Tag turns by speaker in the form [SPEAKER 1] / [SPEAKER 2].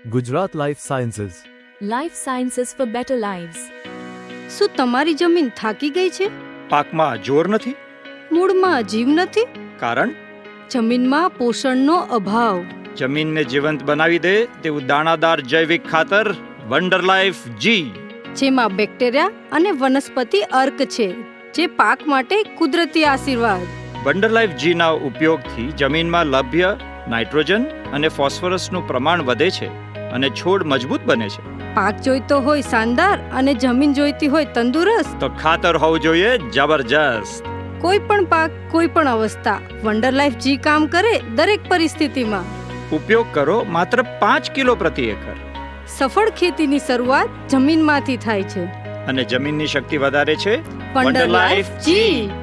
[SPEAKER 1] Gujarat Life Sciences.
[SPEAKER 2] Life Sciences for Better Lives.
[SPEAKER 3] શું તમારી જમીન થાકી ગઈ છે?
[SPEAKER 4] પાકમાં જોર નથી?
[SPEAKER 3] મૂળમાં જીવ નથી?
[SPEAKER 4] કારણ
[SPEAKER 3] જમીનમાં પોષણનો અભાવ.
[SPEAKER 4] જમીનને જીવંત બનાવી દે તેવું દાણાદાર જૈવિક ખાતર વન્ડર લાઈફ જી,
[SPEAKER 3] જેમાં બેક્ટેરિયા અને વનસ્પતિ અર્ક છે, જે પાક માટે કુદરતી આશીર્વાદ.
[SPEAKER 4] વન્ડર લાઈફ જીના ઉપયોગથી જમીનમાં લભ્ય નાઇટ્રોજન અને ફોસ્ફરસનું પ્રમાણ વધે છે અને છોડ મજબૂત બને છે.
[SPEAKER 3] પાક જોઈતો હોય શાનદાર અને જમીન જોઈતી હોય તંદુરસ્ત,
[SPEAKER 4] તો ખાતર હોવું જોઈએ જબરજસ્ત.
[SPEAKER 3] કોઈ પણ પાક કોઈ પણ અવસ્થા, વન્ડર લાઈફ જી કામ કરે દરેક પરિસ્થિતિમાં.
[SPEAKER 4] ઉપયોગ કરો માત્ર 5 કિલો પ્રતિ એકર.
[SPEAKER 3] સફળ ખેતીની શરૂઆત જમીનમાંથી થાય છે.
[SPEAKER 4] અને જમીનની શક્તિ વધારે છે
[SPEAKER 3] વન્ડર લાઈફ જી.